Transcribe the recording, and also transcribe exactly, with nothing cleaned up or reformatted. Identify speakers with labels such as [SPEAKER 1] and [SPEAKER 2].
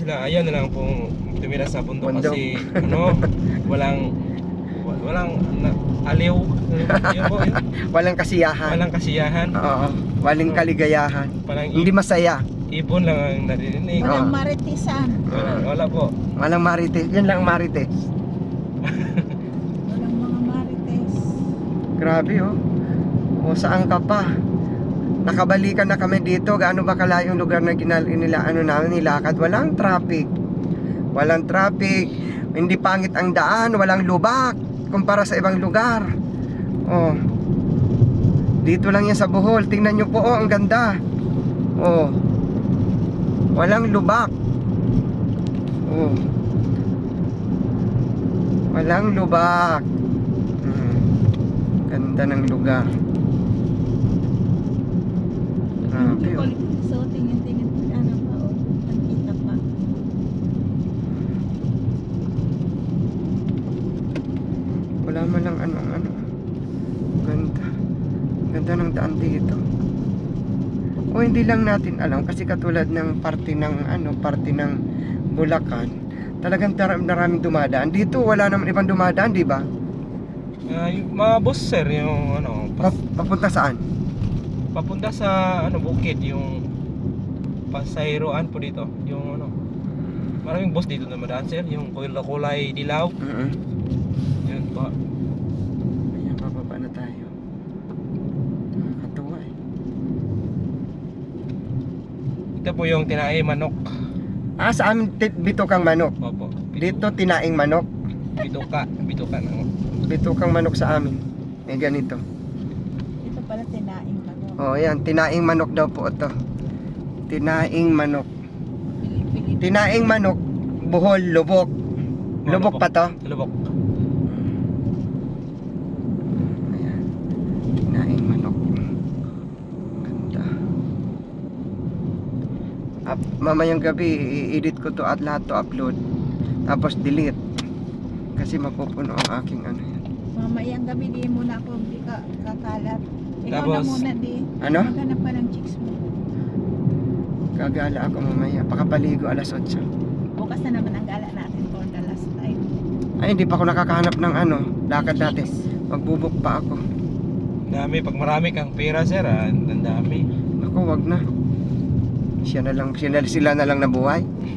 [SPEAKER 1] sila ayaw na lang pong tumira sa bundok,
[SPEAKER 2] Bundok.
[SPEAKER 1] kasi ano, walang wa- walang na, aliw. Yun po, yun.
[SPEAKER 2] Walang kasiyahan.
[SPEAKER 1] Walang kasiyahan.
[SPEAKER 2] Oo, walang kaligayahan.
[SPEAKER 1] Parang
[SPEAKER 2] Hindi masaya.
[SPEAKER 1] ibon lang ang naririnig.
[SPEAKER 2] Oo.
[SPEAKER 3] Walang maritisan.
[SPEAKER 1] Wala, wala po.
[SPEAKER 2] Walang marites. Yan lang ang marites.
[SPEAKER 3] Walang mga marites.
[SPEAKER 2] Grabe oh. O saan ka pa? Nakabalikan na kami dito. Gaano ba kalayo yung lugar na ginal nila ano namin nilakad? Walang traffic. Walang traffic. Hindi pangit ang daan, walang lubak kumpara sa ibang lugar. Oh. Dito lang yan sa Bohol. Tingnan nyo po, oh, ang ganda. Oh. Walang lubak. Oh. Walang lubak. Hmm. Ganda ng lugar. Grabe oh.
[SPEAKER 3] So, tingin-tingin ano pa o. Nakita pa.
[SPEAKER 2] Wala man lang ano ano. Ganda. Ganda ng daan dito. O hindi lang natin alam kasi katulad ng parte ng ano, parte ng Bulacan, talagang tar- maraming dumadaan. Dito wala naman ibang dumadaan, di ba?
[SPEAKER 1] Ah, yung mga boss sir, yung ano, pas-
[SPEAKER 2] Pap- papunta saan?
[SPEAKER 1] papunta sa ano bukid, yung pasayroan po dito, yung ano. Maraming boss dito na madaan sir, yung kulay kulay dilaw.
[SPEAKER 2] Mm-hmm.
[SPEAKER 1] Yun po.
[SPEAKER 2] Ayan, bababa na tayo. Nakakatuwa eh.
[SPEAKER 1] Ito po yung tinae manok.
[SPEAKER 2] Ah, sa amin tit- bitukang manok.
[SPEAKER 1] Opo.
[SPEAKER 2] Dito tinaing manok.
[SPEAKER 1] Bituka, bituka na.
[SPEAKER 2] Bitukang manok sa amin. May ganito.
[SPEAKER 3] Ito pala tinaing pa no.
[SPEAKER 2] Oh, ayan, tinaing manok daw po ito. Tinaing manok.
[SPEAKER 3] Pilipili.
[SPEAKER 2] Tinaing manok, Bohol, Lubok. Lubok pa to?
[SPEAKER 1] Lubok.
[SPEAKER 2] Ayan. Tinaing manok. Ganda. Up, mamayang gabi, i-edit ko to at lahat to upload. Tapos delete. Kasi mapupuno ang aking ano yan.
[SPEAKER 3] Mamayang gabi di muna ako di ka kakalat. Ikaw na
[SPEAKER 1] Tapos,
[SPEAKER 3] muna di.
[SPEAKER 2] Ano?
[SPEAKER 3] Maghanap pa ng chicks mo.
[SPEAKER 2] Gagala ako mamaya. Pakapaligo alas otso.
[SPEAKER 3] Bukas na naman ang gala natin for the last time.
[SPEAKER 2] Ay, hindi pa ako nakakahanap ng ano. Lakad natin.
[SPEAKER 3] Chicks.
[SPEAKER 2] Magbubok pa ako.
[SPEAKER 1] dami, pag marami kang pera sir, ah, ang dami.
[SPEAKER 2] Ako, wag na. Siya na lang, siya na, sila na lang nabuhay.